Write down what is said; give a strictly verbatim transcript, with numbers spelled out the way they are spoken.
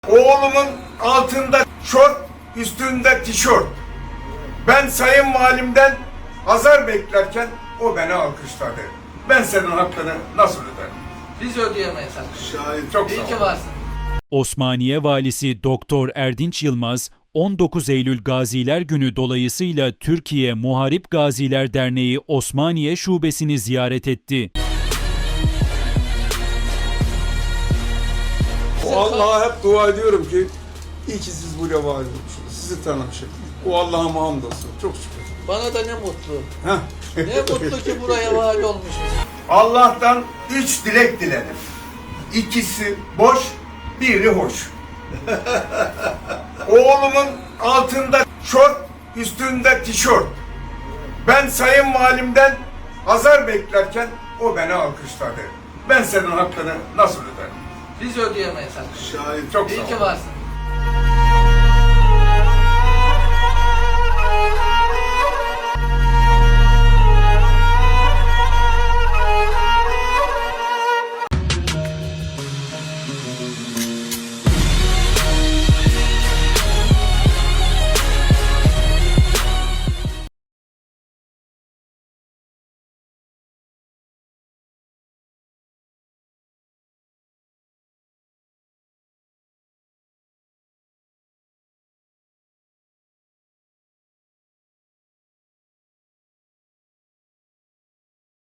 Oğlumun altında şort, üstünde tişört. Ben sayın valimden azar beklerken o beni alkışladı. Ben senin hakkını nasıl öderim? Biz ödeyemeyiz hakkını. Şahit çok İyi sağ ki ol. varsın. Osmaniye Valisi Doktor Erdinç Yılmaz, on dokuz Eylül Gaziler Günü dolayısıyla Türkiye Muharip Gaziler Derneği Osmaniye Şubesini ziyaret etti. O Allah'a hep dua ediyorum ki iyi ki siz buraya var olmuşsunuz. Sizi tanımışım. O Allah'a hamdolsun. Çok şükür. Bana da ne mutlu. Heh. Ne mutlu ki buraya vali olmuşuz. Allah'tan üç dilek diledim. İkisi boş, biri hoş. Oğlumun altında şort, üstünde tişört. Ben sayın valimden azar beklerken o beni alkışladı. Ben senin hakkını nasıl öderim? Biz ödeyemeyiz hakkını. Şahit Çok İyi sağ ol. ki varsın.